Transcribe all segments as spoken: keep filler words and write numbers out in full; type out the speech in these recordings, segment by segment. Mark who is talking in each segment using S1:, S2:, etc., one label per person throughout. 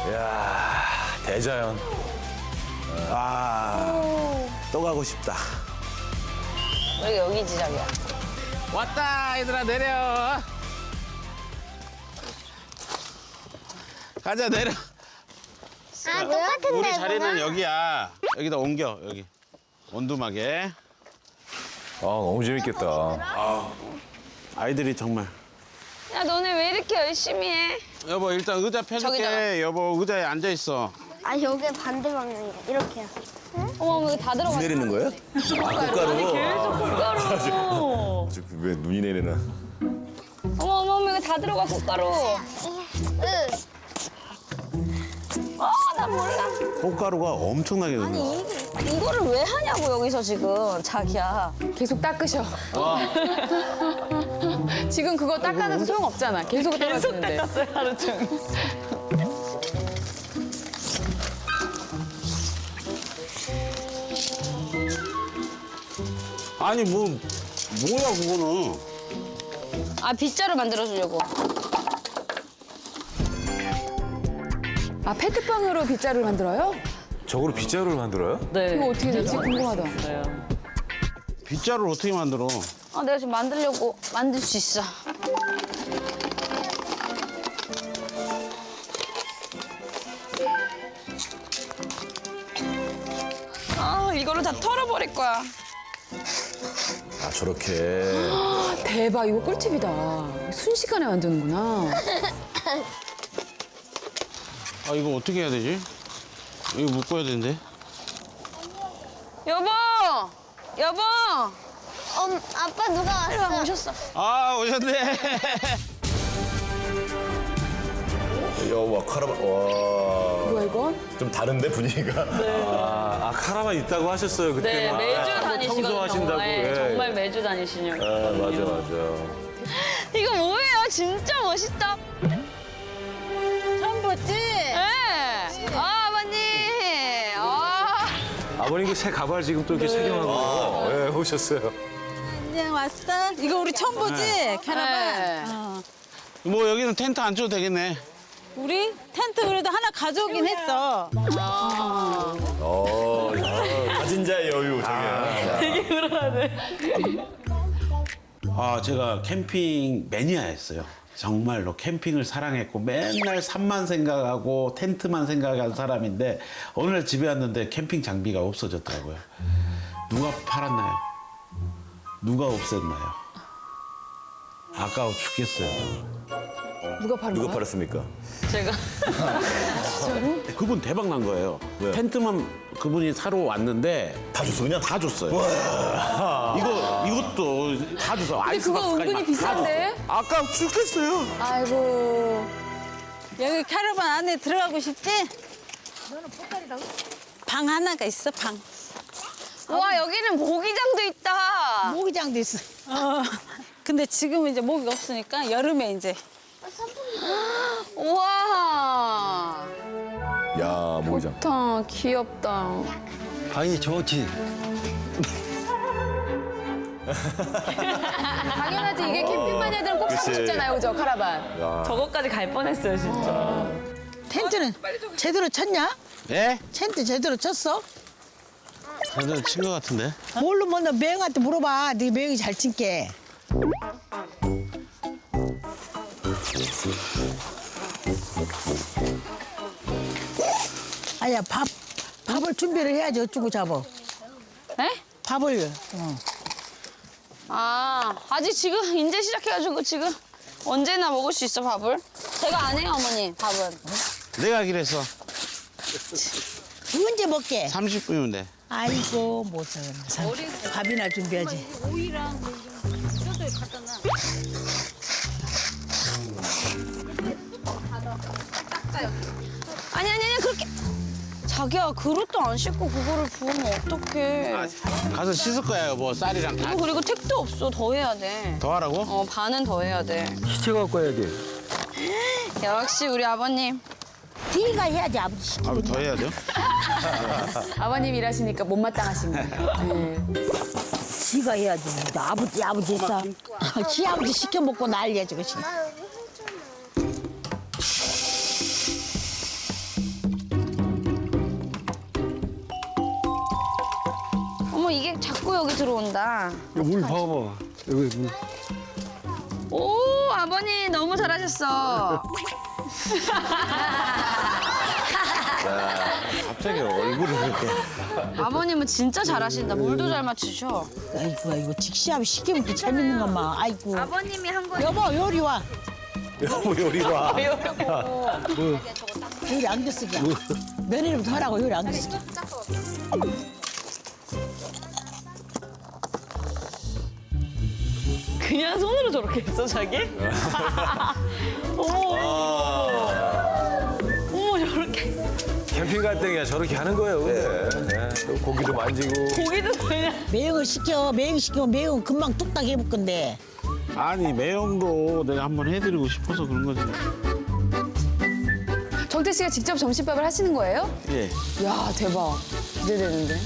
S1: 이야, 대자연.
S2: 아, 또 가고 싶다.
S3: 우리 여기지, 자기야.
S4: 왔다, 얘들아, 내려. 가자, 내려.
S5: 아, 똑같은데,
S4: 우리 자리는
S5: 이거는?
S4: 여기야. 여기다 옮겨, 여기. 원두막에.
S1: 아, 너무 재밌겠다.
S2: 아이들이 정말.
S3: 야, 너네 왜 이렇게 열심히 해?
S4: 여보, 일단 의자 펴줄게.
S3: 저기다가.
S4: 여보, 의자에 앉아있어.
S5: 아, 여기 반대 방향이야. 이렇게요.
S3: 어머, 여기 다 들어가.
S2: 내리는 거예요?
S1: 아, 꽃가루.
S3: 꽃가루.
S1: 왜 눈이 내리나.
S3: 어머, 어머, 어머, 여기 다 들어가, 꽃가루.
S5: 으.
S3: 아, 나 몰라.
S2: 꽃가루가 엄청나게 넣는 거.
S3: 이, 이거를 왜 하냐고, 여기서 지금, 자기야.
S6: 계속 닦으셔. 지금 그거 닦아도 소용없잖아. 계속 떨어지는데. 계속 닦았어요, 하루 종일.
S4: 아니, 뭐, 뭐야, 그거는.
S3: 아, 빗자루 만들어주려고.
S6: 아, 페트병으로 빗자루를 만들어요?
S1: 저거로 빗자루를 만들어요?
S3: 네.
S6: 이거 어떻게 될지 궁금하다.
S4: 빗자루를 어떻게 만들어?
S3: 아, 내가 지금 만들려고 만들 수 있어. 아, 이거를 다 털어버릴 거야.
S1: 아, 저렇게.
S6: 대박, 이거 꿀팁이다. 순식간에 만드는구나.
S4: 아, 이거 어떻게 해야 되지? 이거 묶어야 되는데.
S3: 여보! 여보!
S5: 엄, 아빠 누가
S3: 빨리 와,
S5: 왔어?
S3: 오셨어.
S4: 아, 오셨네.
S1: 와, 카라바. 와.
S6: 뭐야, 이건?
S1: 좀 다른데, 분위기가? 아, 아, 카라반 있다고 하셨어요, 그때.
S3: 네, 매주 다니시거든요.
S1: 청소하신다고.
S3: 네,
S1: 예.
S3: 정말 매주 다니시냐고.
S1: 아, 맞아, 맞아.
S3: 이거 뭐예요? 진짜 멋있다.
S7: 처음 봤지?
S3: 네. 아, 아버님. 아.
S1: 아버님 그 새 가발 지금 또 이렇게 착용하고 예, 오셨어요.
S7: 그냥 왔어? 이거 우리 처음 보지? 캐나반.
S3: 네.
S7: 어.
S4: 뭐, 여기는 텐트 안 쳐도 되겠네.
S7: 우리 텐트 그래도 하나 가져오긴 했어.
S1: 어, 야, 가진 자의 여유, 저게.
S4: 아, 제가 캠핑 매니아였어요. 정말로 캠핑을 사랑했고 맨날 산만 생각하고 텐트만 생각한 사람인데 어느 날 집에 왔는데 캠핑 장비가 없어졌더라고요. 누가 팔았나요? 누가 없앴나요? 아까워 죽겠어요.
S6: 누가 파는
S1: 누가
S6: 거야?
S1: 팔았습니까?
S3: 제가.
S4: 그분 대박 난 거예요.
S1: 왜요?
S4: 텐트만 그분이 사러 왔는데
S1: 다 줬어, 그냥?
S4: 다 줬어요. 이거 이것도 다 줬어.
S6: 근데 그거
S4: 아이스박스까지
S6: 은근히
S4: 막 다
S6: 비싼데?
S4: 줬어. 아까워 죽겠어요.
S6: 아이고.
S7: 여기 캐나반 안에 들어가고 싶지? 방 하나가 있어, 방.
S3: 와, 여기는 모기장도 있다.
S7: 모기장도 있어. 어. 근데 지금은 이제 모기가 없으니까 여름에 이제.
S3: 우와.
S1: 야, 모기장.
S6: 좋다, 귀엽다.
S8: 방이 좋지.
S6: 당연하지, 이게 캠핑 마니아들은 꼭 사고
S1: 그치.
S6: 싶잖아요, 그죠, 카라반.
S3: 저거까지 갈 뻔했어요, 진짜.
S7: 텐트는 제대로 쳤냐?
S4: 예?
S7: 텐트 제대로 쳤어?
S4: 다들 친것 같은데.
S7: 뭘로 먼저 매형한테 물어봐. 네 매형이 잘 친게. 아야 밥 밥을 준비를 해야지 어쩌고 잡어.
S3: 네?
S7: 밥을. 어.
S3: 아, 아직 지금 이제 시작해가지고 지금 언제나 먹을 수 있어, 밥을. 제가 안 해요, 어머니, 밥은.
S4: 내가 하기로 했어.
S7: 언제 먹게?
S4: 삼십 분이면 돼.
S7: 아이고 못해. 밥이나 준비하지.
S3: 아니, 아니, 아니, 그렇게. 자기야, 그릇도 안 씻고 그거를 부으면 어떡해.
S4: 가서 씻을 거야, 뭐 쌀이랑 다.
S3: 이거 그리고 택도 없어, 더 해야 돼.
S4: 더 하라고?
S3: 어, 반은 더 해야 돼.
S8: 시체 갖고 와야 돼.
S3: 역시 우리 아버님.
S7: 네가 해야지 아버지.
S4: 아, 더 해야 돼요?
S6: 아버님 일하시니까 못마땅하신 거예요. 네.
S7: 지가 해야지. 나 아버지 아버지 했어. 지 아버지 시켜 먹고 난리야 저것이.
S3: 왜 자꾸 여기 들어온다.
S8: 여기 물 봐봐. 여기 물.
S3: 오, 아버님 너무 잘하셨어.
S1: 갑자기 얼굴을 그렇게.
S3: 아버님은 진짜 잘하신다. 물도 잘 맞추셔.
S7: 아이고 아이고 직시하면 시키면 또 재밌는 것만. 아이고.
S3: 아버님이 한 거.
S7: 여보 요리 와.
S1: 여보 요리 봐.
S7: 요리 안 됐으게. 며느리부터 하라고 요리 안 됐으게.
S3: 그냥 손으로 저렇게 했어, 자기? 어머, 어머, 저렇게.
S1: 캠핑 갈 때 그냥 저렇게 하는 거예요. 근데. 네. 또 고기도 만지고.
S3: 고기도 그냥.
S7: 매형을 시켜. 매형 시키면 매형 금방 뚝딱 해볼 건데.
S4: 아니 매형도 내가 한번 해드리고 싶어서 그런 거지.
S6: 정태 씨가 직접 점심밥을 하시는 거예요?
S4: 예.
S6: 야 대박. 기대되는데.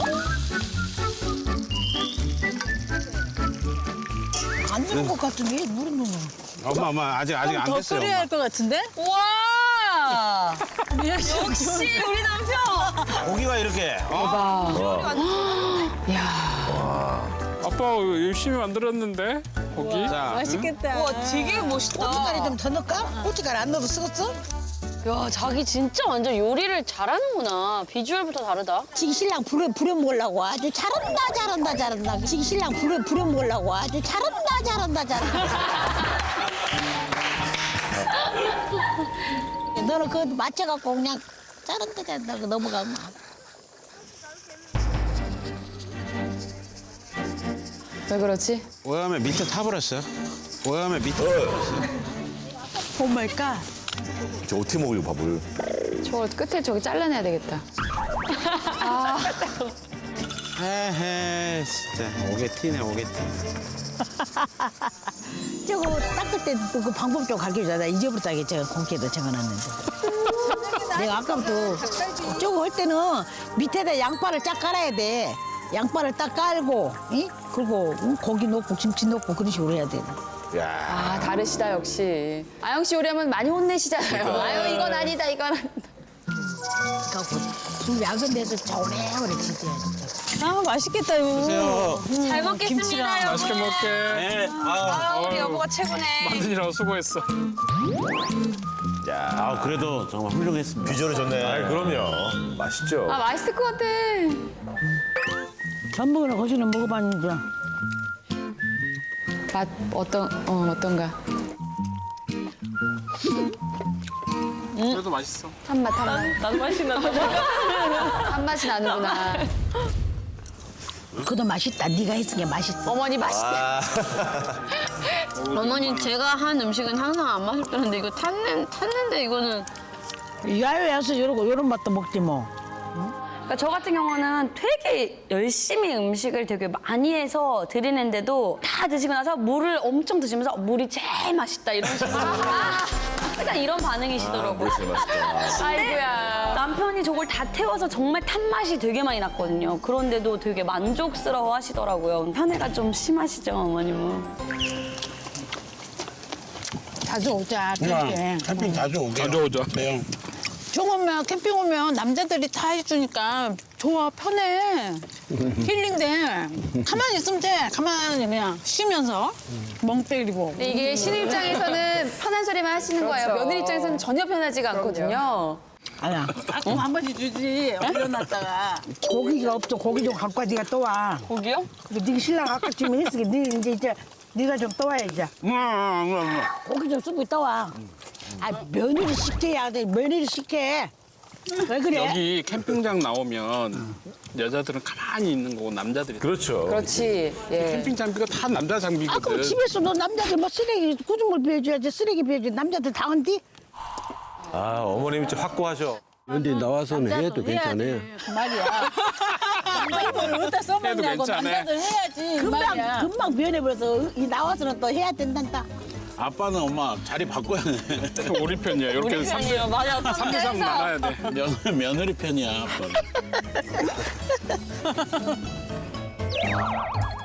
S7: 안 되는 것 같은데 물은 넣는.
S4: 엄마 엄마 아직 아직 안 됐어요. 엄마.
S7: 것 같은데?
S3: 와! 역시 우리 남편!
S4: 고기가 이렇게.
S9: 아빠 열심히 만들었는데 고기?
S4: 자,
S7: 맛있겠다.
S3: 와, 되게 멋있다.
S7: 고춧가루 좀 더 넣을까? 고춧가루 안 넣어도 쓰겠어?
S3: 야, 자기 진짜 완전 요리를 잘하는구나. 비주얼부터 다르다.
S7: 지금 신랑 부려, 부려 먹으려고 아주 잘한다 잘한다 잘한다. 지금 신랑 부려, 부려 먹으려고 아주 잘한다 잘한다 잘한다. 너는 그거 맞춰갖고 그냥 잘한다 잘한다 하고 넘어가면
S6: 왜 그렇지?
S4: 오염에 밑에 타버렸어요. 오염에 밑에.
S7: 오마이갓.
S1: 저 어떻게 먹으려고 밥을.
S6: 저 끝에 저기 잘라내야 되겠다.
S4: 헤헤 진짜 오게 티네 오게 티.
S7: 저거 닦을 때도 그 방법 좀 가르쳐줘야 돼. 이제부터 하게 제가 공기에다 적어놨는데. 내가 아까부터 저거 할 때는 밑에다 양파를 쫙 깔아야 돼. 양파를 딱 깔고, 이? 그리고 고기 넣고 김치 넣고 그런 식으로 해야 돼.
S1: 야.
S6: 아 다르시다 역시. 아영 씨 요리하면 많이 혼내시잖아요. 아유 이건 아니다 이건 아니다.
S7: 갖고 술 약은 데서 저오래오래 지져야 진짜.
S6: 아 맛있겠다 이거.
S4: 드세요.
S3: 잘 먹겠습니다, 여보.
S9: 맛있게 먹게.
S4: 네. 아,
S3: 아, 우리
S9: 아유.
S3: 여보가 최고네.
S9: 만드느라고 수고했어.
S1: 야.
S2: 아 그래도 정말 훌륭했습니다.
S1: 비주얼이 좋네. 아, 그럼요. 맛있죠.
S6: 아 맛있을 것 같아.
S7: 전복이나 거기는 먹어봤는데.
S6: 맛 어떤 어 어떤가?
S9: 그래도 맛있어.
S6: 한맛 한맛.
S3: 나도 맛있나 봐.
S6: 한 맛이 나는구나.
S7: 그도 맛있다. 네가 했으니까 맛있어.
S6: 어머니 맛있다.
S3: 어머니, 제가 한 음식은 항상 안 맛있다는데 이거 탔는, 탔는데 이거는.
S7: 야외 와서 이러고 이런 맛도 먹지 뭐.
S10: 그러니까 저 같은 경우는 되게 열심히 음식을 되게 많이 해서 드리는데도 다 드시고 나서 물을 엄청 드시면서 물이 제일 맛있다 이런 식으로 약간 이런 반응이시더라고요.
S1: 제일 맛있다.
S10: 아이고야. 남편이 저걸 다 태워서 정말 탄맛이 되게 많이 났거든요. 그런데도 되게 만족스러워 하시더라고요. 편애가 좀 심하시죠, 어머님은.
S7: 자주 오자 캠핑.
S4: 캠핑 자주 오게.
S9: 자주 오자.
S4: 매형.
S11: 좀 오면 캠핑 오면 남자들이 다 해주니까 좋아 편해 힐링돼 가만히 있으면 돼 가만히 그냥 쉬면서 멍 때리고
S6: 근데 이게 신우 입장에서는 편한 소리만 하시는 거예요. 며느리 입장에서는 전혀 편하지가 않거든요.
S7: 아야
S11: 가끔 한 번씩 주지 올려놨다가
S7: 고기가 없어. 고기 좀 갖고 와. 네가 또 와.
S3: 고기요?
S7: 그리고 네가 신랑 아까 지금 했으니 네 이제 이제 네가 좀 떠와 이제. 고기 좀 쓰고 떠와. 아 며느리 시켜야 돼. 며느리 시켜. 왜 그래?
S9: 여기 캠핑장 나오면 여자들은 가만히 있는 거고 남자들이
S1: 그렇죠.
S6: 그렇지. 예.
S9: 캠핑 장비가 다 남자
S7: 아 그럼
S9: 장비거든.
S7: 집에서도 남자들 뭐 쓰레기 구준물 비워줘야지. 쓰레기 비워줘야지. 남자들 다 한디?
S1: 아, 어머님이 좀 확고하셔.
S8: 근데 나와서는 해도 괜찮아요.
S11: 그 말이야 남자들을 어디다
S9: 해도
S11: 써먹냐고
S9: 괜찮아.
S11: 남자들 해야지 그
S7: 금방
S11: 말이야
S7: 금방 변해버려서 이 나와서는 또 해야 된단다.
S4: 아빠는 엄마 자리 바꿔야 돼.
S9: 우리 편이야. 이렇게 삼 대 삼 대 삼 나눠야 돼.
S4: 며느리, 며느리 편이야 아빠는.